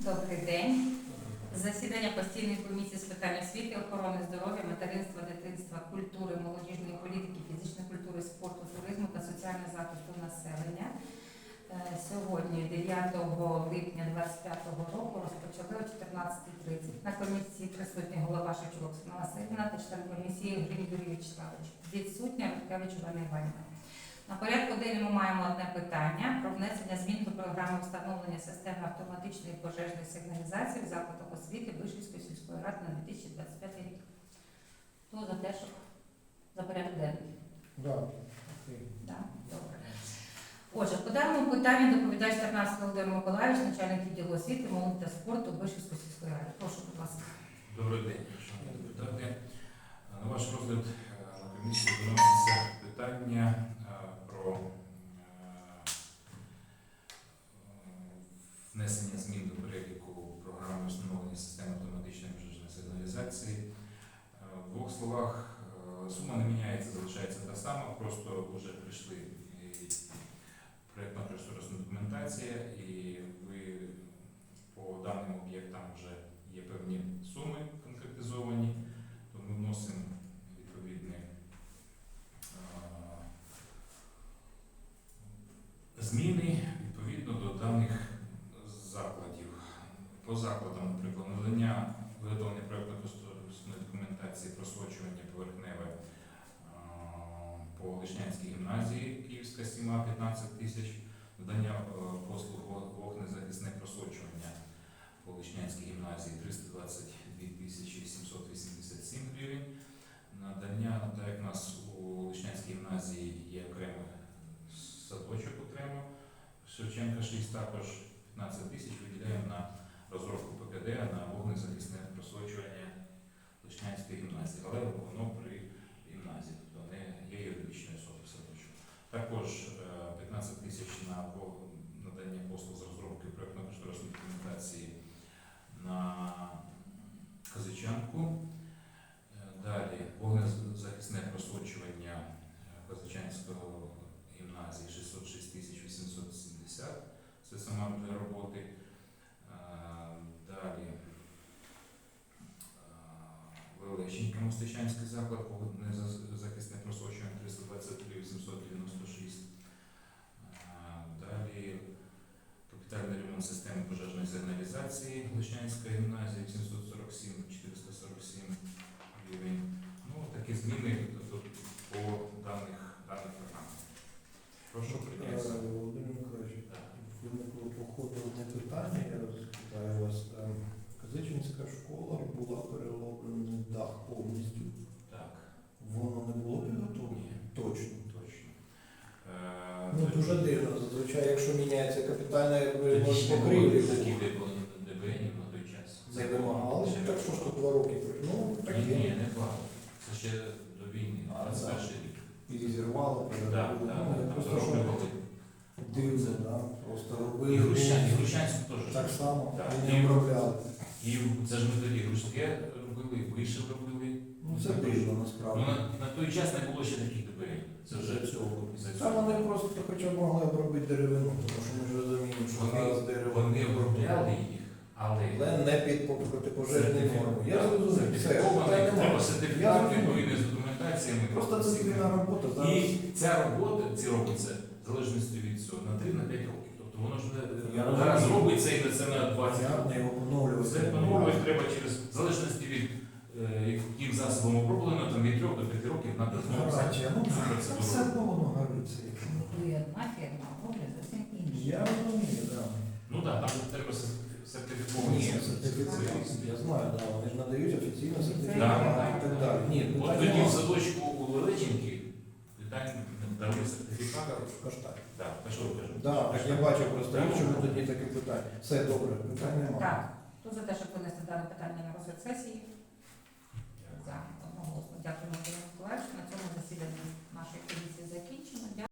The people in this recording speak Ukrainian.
Добрий день. Засідання постійної комісії з питань освіти, охорони здоров'я, материнства, дитинства, культури, молодіжної політики, фізичної культури, спорту, туризму та соціального захисту населення. Сьогодні, 9 липня 2025 року, розпочали о 14:30. На комісії присутні голова Шевчук Оксана Василівна та член комісії Гринь Юрій Вячеславович. Відсутня Рудкевич Олена Іванівна. На порядку денному маємо одне питання про внесення змін до програми встановлення системи автоматичної пожежної сигналізації в закладах освіти Вишівської сільської ради на 2025 рік. Хто за те, щоб за порядок денний? Да. Добре. Отже, по даному питанню доповідач Тарнавський Володимир Миколаївич, начальник відділу освіти, молоді та спорту Вишівської сільської ради. Прошу, будь ласка. Добрий день, шановні депутати. На ваш розгляд на комісії виноситься питання про внесення змін до переліку програми встановлення системи автоматичної пожежної сигналізації. В двох словах, сума не міняється, залишається та сама, просто вже прийшли проєктно-кошторисна документація і ви по даним об'єктам вже є певні суми конкретизовані, то ми вносимо відповідні зміни відповідно до даних закладів. По закладам, наприклад, надання виготовлення проєктно-кошторисної документації просочування поверхневе по Лишнянській гімназії Київська Сіма 15 тисяч, надання послуг вогнезахисне просочування по Лишнянській гімназії 322 тисячі 787 гривень. Надання, так як у нас у Лишнянській гімназії є окремий садочок окремо, Шевченка 6 також 15 тисяч виділяємо на розробку ПКД на вогнезахисне просочування Лишнянської гімназії, але воно при гімназії, тобто не є юридичною особою садочок. Також 15 тисяч на надання послуг з розробки проєктно-кошторисної документації на Казичанку. Далі вогнезахисне просочування Казичанської гімназії 606 тисяч 870. Це сама для роботи. Далі Величенька Мостичанський заклад, вогнезахисне просочування 323 896. Далі капітальний ремонт системи пожежної сигналізації Лишнянська гімназія 747 447 гривень. Ну, такі зміни по даних програмах. Прошу прийняти. Володимир Миколаївич, виникло по ходу одне питання, я розпитаю вас. Казичинська школа була перероблена дах повністю. Так. Воно не було підготовлено? Ні. Точно. Точно. Дуже дивно. Зазвичай, якщо міняється капітальна Тоді покрівлі, такі ДБНів на той час. не вимагали, так що ж то 2 роки пройшло. Ні, не багато. Це ще до війни, А, 21 рік. І зірвало, Так, просто що дивно, да? Просто І робили. Грушанську теж. Так само, Так. і не обробляли. І це ж ми тоді грушки робили, вишив робили. Ну це дивно насправді. Ну, на той час не було ще таких ДБНів. Це вже цього. за Та цього. вони просто хоча б могли обробити деревину, тому що ми ж розуміємо, що зараз дерево. Вони обробляли їх, але Але не під протипожежні норми. Я зрозумів. Все, сертифікований, питань треба немає. сертифікат Я відповідний з документаціями. Просто це спільна робота. Зараз І ця робота, ці робиться в залежності від цього на 3-5 років. Тобто воно ж Я не зараз розумію. робиться і це на 20 понятно, років. його поновлювати. Це поновлювати треба через в залежності від яким засобом оброблено, там від 3 до 5 років треба знову Гарантія. Ну, цю це все процедуру. одно воно гориться. Готує одна фірма, а роблять зовсім інша. Я розумію, так. Ну так, там треба сертифіковані. Ні, сертифікат. Я знаю, да, вони ж надають офіційно Да, сертифікат да. і так далі. Ні, От питань тоді в немає. садочку у Величенки питань дали сертифікат. Каштан. Так, а що ви кажете? Так, так я бачив просто іншому тоді таке питання. Все добре, питань немає. Так, хто за те, щоб винести дане питання на розгляд сесії? За одноголосно. Дякую, Володимир Миколаївич. На цьому засідання нашої комісії закінчено.